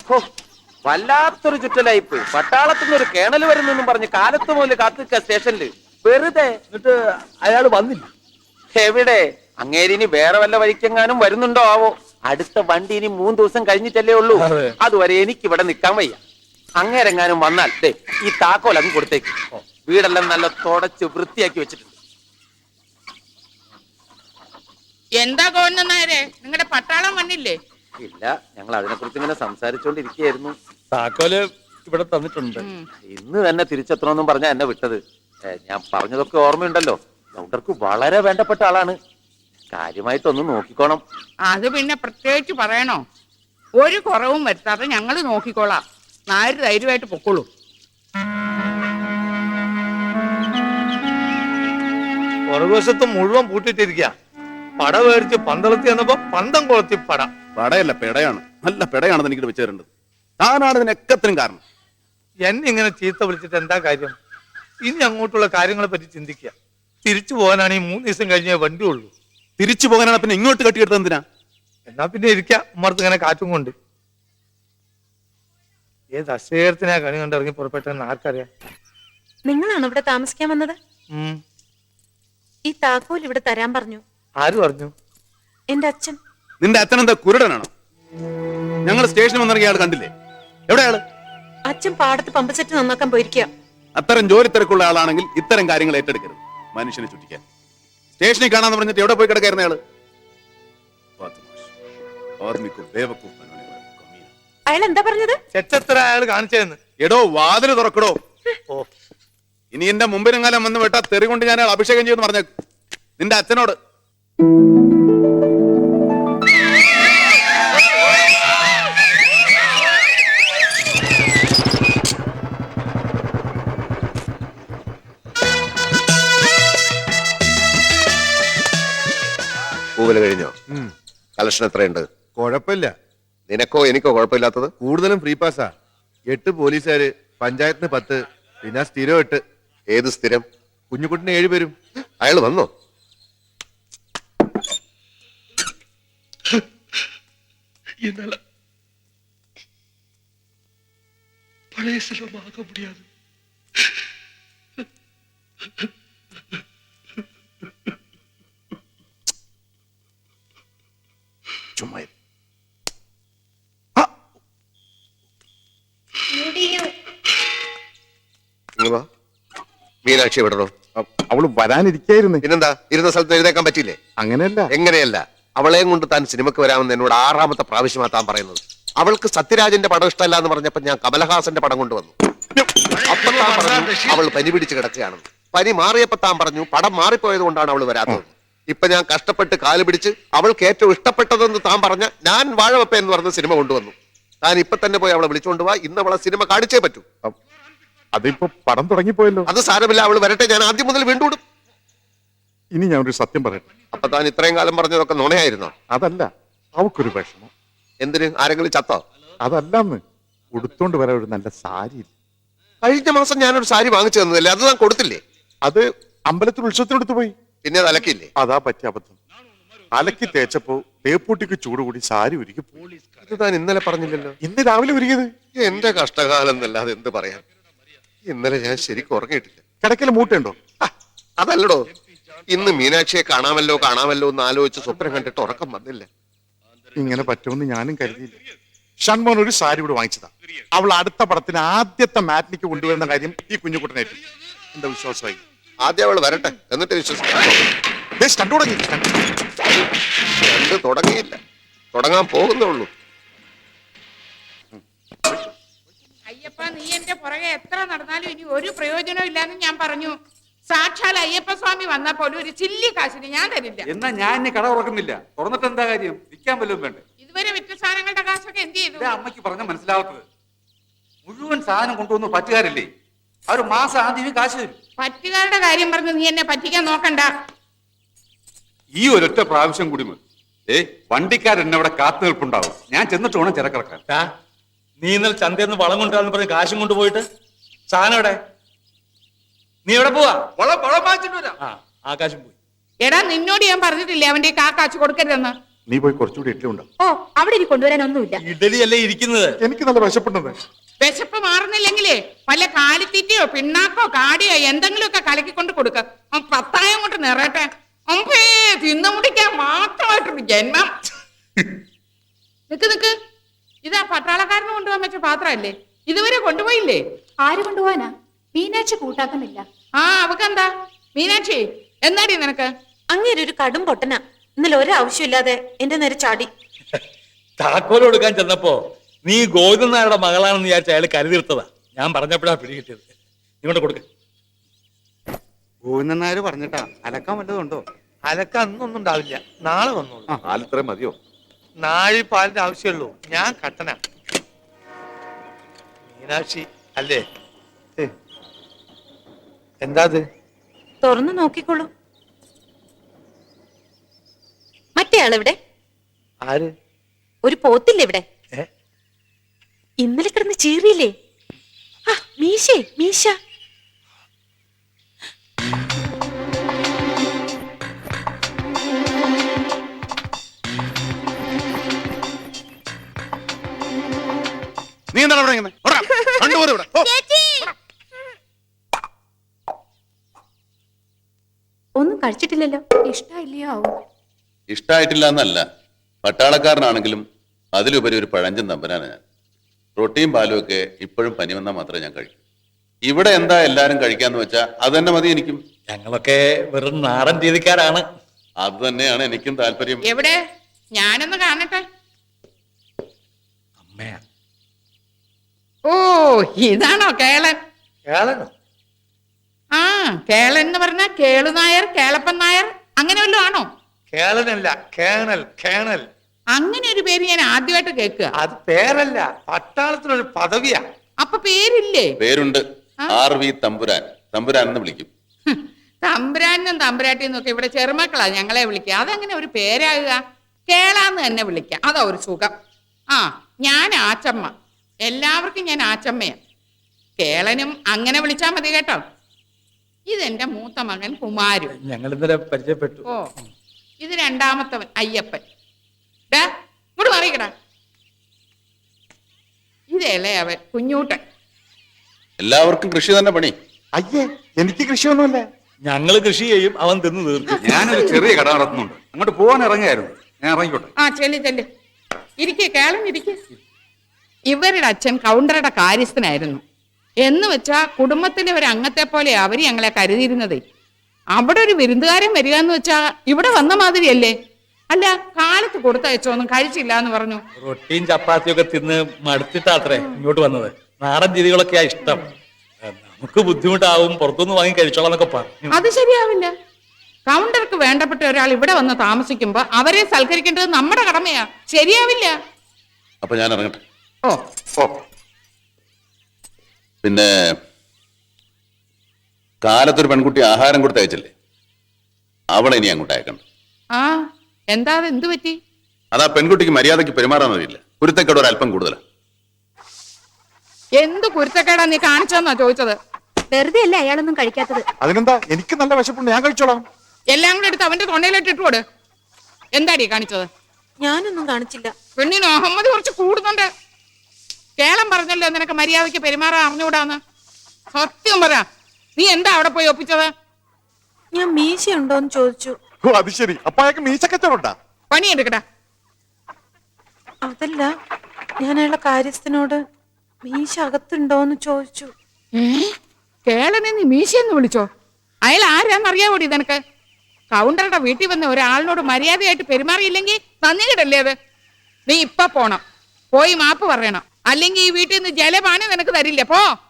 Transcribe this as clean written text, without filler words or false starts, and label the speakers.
Speaker 1: ഹോ, വല്ലാത്തൊരു ചുറ്റലയിപ്പ്. പട്ടാളത്തിന് ഒരു കേണൽ വരുന്നെന്നും പറഞ്ഞ് കാലത്ത് മുതൽ കാത്തിക്ക സ്റ്റേഷനില് വെറുതെ.
Speaker 2: എന്നിട്ട് അയാൾ വന്നില്ല.
Speaker 1: എവിടെ? അങ്ങേരിനി വേറെ വല്ല വഴിക്കെങ്ങാനും വരുന്നുണ്ടോ ആവോ. അടുത്ത വണ്ടി ഇനി 3 ദിവസം കഴിഞ്ഞിട്ടല്ലേ ഉള്ളൂ. അതുവരെ എനിക്ക് ഇവിടെ നിൽക്കാൻ വയ്യ. അങ്ങേരെങ്ങാനും വന്നാൽ ദേ ഈ താക്കോൽ അങ്ങ് കൊടുത്തേക്ക്. വീടെല്ലാം നല്ല തുടച്ച് വൃത്തിയാക്കി വെച്ചിട്ടുണ്ട്.
Speaker 3: എന്താ ഗവർണറെ, നിങ്ങളുടെ പട്ടാളം വന്നില്ലേ?
Speaker 1: ഇല്ല, ഞങ്ങൾ അതിനെ കുറിച്ച് ഇങ്ങനെ സംസാരിച്ചോണ്ടിരിക്കുകയായിരുന്നു.
Speaker 2: താക്കോല് ഇവിടെ തന്നിട്ടുണ്ട്.
Speaker 1: ഇന്ന് തന്നെ തിരിച്ചെത്തണമെന്നും പറഞ്ഞാ എന്നെ വിട്ടത്. ഞാൻ പറഞ്ഞതൊക്കെ ഓർമ്മയുണ്ടല്ലോ. ഡോക്ടർക്ക് വളരെ വേണ്ടപ്പെട്ട ആളാണ്. കാര്യമായിട്ടൊന്ന് നോക്കിക്കോണം.
Speaker 3: അത് പിന്നെ പ്രത്യേകിച്ച് പറയണോ? ഒരു കുറവും വരുത്താതെ ഞങ്ങൾ നോക്കിക്കോളാം. നായർ ധൈര്യമായിട്ട് പൊക്കോളൂ.
Speaker 2: പുറകുവശത്ത് മുഴുവൻ പൂട്ടിട്ടിരിക്കുക. പട മേടിച്ച് പന്തളത്തി വന്നപ്പോ പന്തം കൊളത്തി പട.
Speaker 4: പടയല്ല, പെടയാണ്. നല്ല പെടയാണെന്ന് എനിക്ക് വെച്ച് തരേണ്ടത്. താനാണ് ഇതിനൊക്കത്തിനും കാരണം.
Speaker 2: എന്നെ ഇങ്ങനെ ചീത്ത വിളിച്ചിട്ട് എന്താ കാര്യം? ഇനി അങ്ങോട്ടുള്ള കാര്യങ്ങളെ പറ്റി ചിന്തിക്കുക. തിരിച്ചു പോകാനാണ് ഈ 3 ദിവസം കഴിഞ്ഞേ വണ്ടി ഉള്ളൂ.
Speaker 4: തിരിച്ചു പോകാനാണ് പിന്നെ ഇങ്ങോട്ട് കെട്ടിയെടുത്തത് എന്തിനാ?
Speaker 2: എന്നാ പിന്നെ ഇരിക്കാം ഉമ്മർത്ത് ഇങ്ങനെ കാറ്റും കൊണ്ട്. ഏത് അശേരത്തിനാ കണി കണ്ട് ഇറങ്ങി പുറപ്പെട്ടെന്ന് ആർക്കറിയാം.
Speaker 5: നിങ്ങളാണ് ഇവിടെ താമസിക്കാൻ വന്നത്? ഈ താക്കോൽ ഇവിടെ തരാൻ പറഞ്ഞു.
Speaker 2: ആര് പറഞ്ഞു?
Speaker 5: എന്റെ അച്ഛൻ.
Speaker 4: നിന്റെ അച്ഛനെന്താ കുരുടനാണോ? ഞങ്ങൾ സ്റ്റേഷനിൽ വന്നിറങ്ങിയ ആൾ കണ്ടില്ലേ? എവിടെയാള്?
Speaker 5: അച്ഛൻ പാടത്ത് പമ്പ് സെറ്റ് നന്നാക്കാൻ പോയിരിക്കുക.
Speaker 4: അത്തരം ജോലി തിരക്കുള്ള ആളാണെങ്കിൽ ഇത്തരം കാര്യങ്ങൾ ഏറ്റെടുക്കരുത്. മനുഷ്യനെ ചുറ്റിക്കാൻ സ്റ്റേഷനിൽ കാണാന്ന് പറഞ്ഞിട്ട് എവിടെ പോയി കിടക്കായിരുന്ന ആള്?
Speaker 5: അയാൾ എന്താ പറഞ്ഞത്?
Speaker 2: ചെച്ചത്ര അയാൾ കാണിച്ചതെന്ന്.
Speaker 4: എടോ, വാതില് തുറക്കടോ. ഇനി എന്റെ മുമ്പിനെങ്ങാലും വന്ന് വിട്ടാ തെറി കൊണ്ട് ഞാൻ അഭിഷേകം ചെയ്യുമെന്ന് പറഞ്ഞ നിന്റെ അച്ഛനോട്.
Speaker 6: പൂവല് കഴിഞ്ഞോ? കളക്ഷൻ എത്രയുണ്ട്?
Speaker 7: കുഴപ്പമില്ല.
Speaker 6: നിനക്കോ എനിക്കോ കുഴപ്പമില്ലാത്തത്?
Speaker 7: കൂടുതലും ഫ്രീ പാസ്സാ. 8 പോലീസുകാര്, പഞ്ചായത്തിന് 10, പിന്നെ സ്ഥിരം 8.
Speaker 6: ഏത് സ്ഥിരം?
Speaker 7: കുഞ്ഞുകുട്ടിന് 7 പേരും.
Speaker 6: അയാൾ വന്നോ?
Speaker 8: പഴയ സ്ഥലമാക മുടിയാതെ
Speaker 4: ചുമ്മാ
Speaker 6: മീനാക്ഷി വിടണോ?
Speaker 7: അവള് വരാനിരിക്കായിരുന്നു.
Speaker 6: പിന്നെന്താ, ഇരുന്ന സ്ഥലത്ത് എഴുതേക്കാൻ പറ്റില്ലേ?
Speaker 7: അങ്ങനെയല്ല.
Speaker 6: എങ്ങനെയല്ല? അവളെയും കൊണ്ട് താൻ സിനിമക്ക് വരാമെന്ന് എന്നോട് 6ാമത്തെ പ്രാവശ്യമാ താൻ പറയുന്നത്. അവൾക്ക് സത്യരാജന്റെ പടം ഇഷ്ടമല്ല എന്ന് പറഞ്ഞപ്പോ ഞാൻ കമലഹാസന്റെ പടം കൊണ്ടുവന്നു. അപ്പൊ താൻ പറഞ്ഞു അവൾ പനി പിടിച്ച് കിടക്കുകയാണെന്ന്. പനി മാറിയപ്പോ താൻ പറഞ്ഞു പടം മാറിപ്പോയത് കൊണ്ടാണ് അവൾ വരാത്തത്. ഇപ്പൊ ഞാൻ കഷ്ടപ്പെട്ട് കാല് പിടിച്ച് അവൾക്ക് ഏറ്റവും ഇഷ്ടപ്പെട്ടതെന്ന് താൻ പറഞ്ഞ ഞാൻ വാഴവപ്പ എന്ന് പറഞ്ഞ സിനിമ കൊണ്ടുവന്നു. താൻ ഇപ്പൊ തന്നെ പോയി അവളെ വിളിച്ചുകൊണ്ടുപോവാ. ഇന്ന് അവളെ സിനിമ കാണിച്ചേ പറ്റൂ.
Speaker 7: അതിപ്പോ പടം തുടങ്ങിപ്പോയല്ലോ.
Speaker 6: അത് സാരമില്ല, അവൾ വരട്ടെ. ഞാൻ ആദ്യം മുതൽ വീണ്ടും.
Speaker 7: ഇനി ഞാൻ ഒരു സത്യം പറയട്ടെ.
Speaker 6: അപ്പൊ താൻ ഇത്രയും കാലം പറഞ്ഞതൊക്കെ നുണയായിരുന്നോ?
Speaker 7: അതല്ല, അവക്കൊരു വിഷമം.
Speaker 6: എന്തിന്? ആരെങ്കിലും ചത്തോ?
Speaker 7: അതല്ലെന്ന്, ഉടുത്തോണ്ട് വരാൻ ഒരു നല്ല സാരി.
Speaker 6: കഴിഞ്ഞ മാസം ഞാനൊരു സാരി വാങ്ങിച്ചു തന്നതല്ലേ, അത് താൻ കൊടുത്തില്ലേ?
Speaker 7: അത് അമ്പലത്തിൽ ഉത്സവത്തിനെടുത്ത് പോയി.
Speaker 6: പിന്നെ അത് അലക്കില്ലേ?
Speaker 7: അതാ പറ്റിയ അബദ്ധം. അലക്കി തേച്ചപ്പോ തേപ്പൂട്ടിക്ക് ചൂട് കൂടി സാരി ഉരുക്കി.
Speaker 6: ഇത് താൻ ഇന്നലെ പറഞ്ഞില്ലല്ലോ.
Speaker 7: ഇന്ന് രാവിലെ ഉരുകിയത്.
Speaker 6: എന്റെ കഷ്ടകാലം എന്നല്ലാതെ എന്ത് പറയാൻ. ഇന്നലെ ഞാൻ ശരിക്കും ഉറങ്ങിയിട്ടില്ല.
Speaker 7: കിടക്കൽ മൂട്ടുണ്ടോ?
Speaker 6: അതല്ലടോ, ഇന്ന് മീനാക്ഷിയെ കാണാമല്ലോ എന്ന് ആലോചിച്ച് സ്വപ്നം കണ്ടിട്ട് ഉറക്കം വന്നില്ല.
Speaker 7: ഇങ്ങനെ പറ്റുമെന്ന് ഞാനും കരുതിയില്ല. ഷൺമോൻ ഒരു സാരി കൂടെ വാങ്ങിച്ചതാ. അവൾ അടുത്ത പടത്തിന് ആദ്യത്തെ മാറ്റിനിക്ക് കൊണ്ടുവരുന്ന കാര്യം ഈ കുഞ്ഞുകുട്ടനായിട്ട് എന്താ വിശ്വാസമായി.
Speaker 6: ആദ്യം അവൾ വരട്ടെ, എന്നിട്ട് വിശ്വസിക്കാം. കണ്ടു തുടങ്ങിയില്ല, തുടങ്ങാൻ പോകുന്നുള്ളൂ.
Speaker 3: അയ്യപ്പ, നീ എന്റെ പുറകെ എത്ര നടന്നാലും ഇനി ഒരു പ്രയോജനവും ഇല്ലാന്ന് ഞാൻ പറഞ്ഞു. സാക്ഷാൽ അയ്യപ്പ സ്വാമി വന്നാ പോലും ഒരു ചില്ലി കാശിന് ഞാൻ തരില്ല.
Speaker 9: എന്നാ ഞാൻ ഇനി കട തുറക്കുന്നില്ല. തുറന്നിട്ട് എന്താ കാര്യം? വിൽക്കാൻ വല്ലതും വേണ്ടേ?
Speaker 3: ഇതുവരെ വിറ്റ സാധനങ്ങളുടെ കാശൊക്കെ എന്ത് ചെയ്തു?
Speaker 9: അമ്മയ്ക്ക് പറഞ്ഞ മനസ്സിലാവാത്തത്. മുഴുവൻ സാധനം കൊണ്ടുവന്ന് പറ്റുകാരില്ലേ, അവർ മാസം ആദ്യമേ കാശ് തരും.
Speaker 3: പറ്റുകാരുടെ കാര്യം പറഞ്ഞ് നീ എന്നെ പറ്റിക്കാൻ നോക്കണ്ട.
Speaker 9: ഈ ഒരൊറ്റ പ്രാവശ്യം കൂടി മതി. വണ്ടിക്കാരൻ അവിടെ കാത്തു നിൽപ്പുണ്ടാവും. ഞാൻ ചെന്നിട്ട് വേണം ചിരക്കിറക്കാൻ.
Speaker 2: നീ ഇന്നലെ ചന്തയെന്ന് വളം കൊണ്ടുവരാന്ന് പറഞ്ഞ് കാശും കൊണ്ടുപോയിട്ട് സാധനം എവിടെ? നീ എവിടെ പോവാ?
Speaker 9: വളം വാങ്ങിച്ചിട്ട് വരാം.
Speaker 2: ആകാശം പോയി.
Speaker 3: എടാ, നിന്നോട് ഞാൻ പറഞ്ഞിട്ടില്ലേ അവന്റെ കാശ് കൊടുക്കരുതെന്ന്?
Speaker 7: നീ പോയി കുറച്ചുകൂടി ഇഡ്ഡലി ഉണ്ടാവും.
Speaker 5: ഓ അവിടെ ഇനി കൊണ്ടുവരാനൊന്നുമില്ല.
Speaker 2: ഇഡലി അല്ലേ ഇരിക്കുന്നത്.
Speaker 7: എനിക്ക് നല്ല വിശപ്പുണ്ടെന്ന്.
Speaker 3: വിശപ്പ് മാറുന്നില്ലെങ്കിലേ വല്ല കാലിത്തീറ്റയോ പിണ്ണാക്കോ കാടിയോ എന്തെങ്കിലുമൊക്കെ കലക്കിക്കൊണ്ട് കൊടുക്ക. പത്തായം കൊണ്ട് നിറയട്ടെ. അമ്പേ തിന്നു മുടിക്കാൻ മാത്രമായിട്ടൊരു ജന്മം. നിക്ക് ഇതാ പട്ടാളക്കാരന് കൊണ്ടുപോകാൻ വെച്ച പാത്രമല്ലേ, ഇതുവരെ കൊണ്ടുപോയില്ലേ?
Speaker 5: ആര് കൊണ്ടുപോവാനാ? മീനാക്ഷി കൂട്ടാക്കുന്നില്ല.
Speaker 3: ആ അവക്കെന്താ? മീനാക്ഷി എന്താടി നിനക്ക്?
Speaker 5: അങ്ങേര് ഒരു കടും പൊട്ടന. ഇന്നലെ ഒരാവശ്യമില്ലാതെ എന്റെ നേരെ ചാടി.
Speaker 2: താക്കോൽ കൊടുക്കാൻ ചെന്നപ്പോ നീ ഗോവിന്ദൻ നായരുടെ മകളാണെന്ന് വിചാരിച്ച അയാൾ കരുതിർത്തതാ. ഞാൻ പറഞ്ഞപ്പോഴാ പിടികിട്ടിയത്. ഇങ്ങോട്ട് കൊടുക്ക.
Speaker 10: ഗോവിന്ദൻ നായർ പറഞ്ഞിട്ടാ അലക്കാൻ വല്ലതുണ്ടോ?
Speaker 2: അലക്ക അന്നൊന്നും ഉണ്ടാവില്ല, നാളെ വന്നോളൂ.
Speaker 6: പാലിത്രയും മതിയോ?
Speaker 2: നാഴി പാലിന്റെ ആവശ്യമുള്ളൂ. ഞാൻ കട്ടന. മീനാക്ഷി അല്ലേ? എന്താ
Speaker 5: തുറന്നു നോക്കിക്കോളൂ. മറ്റേ ആളിവിടെ.
Speaker 2: ആര്?
Speaker 5: ഒരു പോത്തില്ലേ ഇവിടെ?
Speaker 2: ഏ?
Speaker 5: ഇന്നലെ കിടന്ന് ചീറിയില്ലേ? മീശേ മീശ.
Speaker 4: നീ എന്താണ് ഇവിടെ ഇങ്ങനെ? ഓടാ, കണ്ടുപോരെ ഇവിടെ. ഓ.
Speaker 5: ഒന്നും കഴിച്ചിട്ടില്ലല്ലോ. ഇഷ്ടമില്ലയോ?
Speaker 4: ഇഷ്ടായിട്ടില്ല എന്നല്ല, പട്ടാളക്കാരനാണെങ്കിലും അതിലുപരി ഒരു പഴഞ്ചൻ തമ്പനാണ് ഞാൻ. റൊട്ടിയും പാലും ഒക്കെ ഇപ്പോഴും പനി വന്നാൽ മാത്രമേ ഞാൻ കഴിക്കൂ. ഇവിടെ എന്താ എല്ലാരും കഴിക്കാന്ന് വെച്ചാ അത് തന്നെ മതി എനിക്കും.
Speaker 2: ഞങ്ങളൊക്കെ വെറും നാടൻ രീതിക്കാരാണ്.
Speaker 4: അത് തന്നെയാണ് എനിക്കും താല്പര്യം.
Speaker 3: എവിടെ? ഞാനൊന്ന് കാണട്ടെ.
Speaker 2: അമ്മയാ.
Speaker 3: ഓ ഇതാണോ കേളൻ?
Speaker 2: കേളനോ?
Speaker 3: ആ കേളൻ എന്ന് പറഞ്ഞ കേളുനായർ, കേളപ്പൻ നായർ അങ്ങനെ വല്ലതും ആണോ?
Speaker 2: കേളനല്ല, കേണൽ. കേണൽ
Speaker 3: അങ്ങനെ ഒരു പേര് ഞാൻ ആദ്യമായിട്ട് കേൾക്കുക.
Speaker 2: അത് പേരല്ല, പട്ടാളത്തിനൊരു പദവിയാ.
Speaker 3: അപ്പൊ പേരില്ലേ?
Speaker 4: പേരുണ്ട്. RV തമ്പുരാൻ. തമ്പുരാൻ എന്ന് വിളിക്കും.
Speaker 3: തമ്പുരാനും തമ്പുരാട്ടിന്നും ഒക്കെ ഇവിടെ ചെറുമക്കളാ ഞങ്ങളെ വിളിക്കുക. അതെങ്ങനെ ഒരു പേരാകുക? കേളാന്ന് തന്നെ വിളിക്കാം, അതാ ഒരു സുഖം. ആ ഞാൻ ആച്ചമ്മ. എല്ലാവർക്കും ഞാൻ ആച്ചമ്മയാ. കേളനും അങ്ങനെ വിളിച്ചാ മതി കേട്ടോ. ഇതെന്റെ മൂത്ത മകൻ കുമാരു.
Speaker 2: ഞങ്ങൾ ഇന്നലെ പരിചയപ്പെട്ടു.
Speaker 3: ഓ ഇത് രണ്ടാമത്തവൻ അയ്യപ്പൻ. ഇങ്ങോട്ട് മാറിക്കടാ. ഇതല്ലേ അവൻ കുഞ്ഞൂട്ടൻ.
Speaker 4: എല്ലാവർക്കും കൃഷി തന്നെ പണി.
Speaker 7: അയ്യേ, എനിക്ക് കൃഷിയൊന്നുമില്ല.
Speaker 2: ഞങ്ങള് കൃഷി ചെയ്യും, അവൻ തിന്നു തീർക്കും.
Speaker 9: ഞാനൊരു ചെറിയ കട നടത്തുന്നുണ്ട്, അങ്ങോട്ട് പോകാൻ ഇറങ്ങിയായിരുന്നു. ഞാൻ ഇറങ്ങിക്കോട്ടെ.
Speaker 3: ആ ചെല്ല് ഇരിക്കേ കേളം ഇരിക്കേ. ഇവരുടെ അച്ഛൻ കൗണ്ടറുടെ കാര്യസ്ഥനായിരുന്നു. എന്ന് വെച്ചാ കുടുംബത്തിലെ ഒരു അംഗത്തെ പോലെ അവര് ഞങ്ങളെ കരുതിയിരുന്നതേ. അവിടെ ഒരു വിരുന്നുകാരൻ വരിക എന്ന് വെച്ചാ ഇവിടെ വന്ന മാതിരിയല്ലേ? അല്ല കാലത്ത് കൊടുത്തയച്ചോന്നും കഴിച്ചില്ല എന്ന് പറഞ്ഞു.
Speaker 2: റൊട്ടിയും ചപ്പാത്തിയും ഒക്കെ തിന്ന് മടുത്തിട്ടാത്രേ ഇങ്ങോട്ട് വന്നത്. നാടൻ രീതികളൊക്കെയാ ഇഷ്ടം. നമുക്ക് ബുദ്ധിമുട്ടാവും, പുറത്തുനിന്ന് വാങ്ങി കഴിച്ചോളാം എന്നൊക്കെ പറഞ്ഞു.
Speaker 3: അത് ശരിയാവില്ല. കൗണ്ടർക്ക് വേണ്ടപ്പെട്ട ഒരാൾ ഇവിടെ വന്ന് താമസിക്കുമ്പോ അവരെ സൽക്കരിക്കേണ്ടത് നമ്മുടെ കടമയാ. ശരിയാവില്ല.
Speaker 4: അപ്പൊ ഞാൻ ഇറങ്ങട്ടെ.
Speaker 3: ഓ
Speaker 4: ഓ പിന്നെ കാലത്തൊരു പെൺകുട്ടി ആഹാരം കൊടുത്ത് അയച്ചല്ലേ, അവളെ ഇനി അങ്ങോട്ട് അയക്കണം.
Speaker 3: ആ എന്താ എന്ത് പറ്റി?
Speaker 4: അതാ പെൺകുട്ടിക്ക് മര്യാദയ്ക്ക് പെരുമാറാൻ അറിയില്ല. കുരുത്തക്കേട് ഒരല്പം കൂടുതലാണ്.
Speaker 3: എന്ത് കുരുത്തക്കേടാ നീ കാണിച്ചെന്നാ ചോദിച്ചത്?
Speaker 5: വെറുതെ അല്ല അയാളൊന്നും കഴിക്കാത്തത്.
Speaker 7: അതിനെന്താ, എനിക്ക് നല്ല വിശപ്പുണ്ട്, ഞാൻ കഴിച്ചോളാം.
Speaker 3: എല്ലാം കൂടെ എടുത്ത് അവന്റെ തൊണ്ടയിലിട്ട് ഇട്ടുകൊട്. എന്താടി കാണിച്ചത്?
Speaker 5: ഞാനൊന്നും കാണിച്ചില്ല.
Speaker 3: പെണ്ണിന് അഹമ്മദ് കുറച്ച് കൂടുന്നുണ്ട്. കേളം പറഞ്ഞല്ലോ നിനക്ക് മര്യാദയ്ക്ക് പെരുമാറാൻ അറിഞ്ഞുകൂടാന്ന്. സത്യം പറ, നീ എന്താ അവിടെ പോയി ഒപ്പിച്ചത്?
Speaker 5: ഞാൻ മീശ ഉണ്ടോന്ന് ചോദിച്ചു.
Speaker 7: ഓ അത് ശരി, അപ്പൊ അയാൾക്ക് മീശക്കച്ചവടാ.
Speaker 3: പണിയെടുക്കടാ.
Speaker 5: അതല്ല, ഞാൻ അയാളുടെ കാര്യസ്ഥനോട് മീശ അകത്തുണ്ടോന്ന് ചോദിച്ചു.
Speaker 3: കേളനെ നീ മീശയെന്ന് വിളിച്ചോ? അയാൾ ആരാന്നറിയാവോടി നിനക്ക്? കൗണ്ടറുടെ വീട്ടിൽ വന്ന ഒരാളിനോട് മര്യാദയായിട്ട് പെരുമാറിയില്ലെങ്കിൽ നന്ദി കിടല്ലേ അത്? നീ ഇപ്പൊ പോണം, പോയി മാപ്പ് പറയണം. അല്ലെങ്കിൽ ഈ വീട്ടിൽ നിന്ന് ജലപാനം നിനക്ക് തരില്ല. പോ.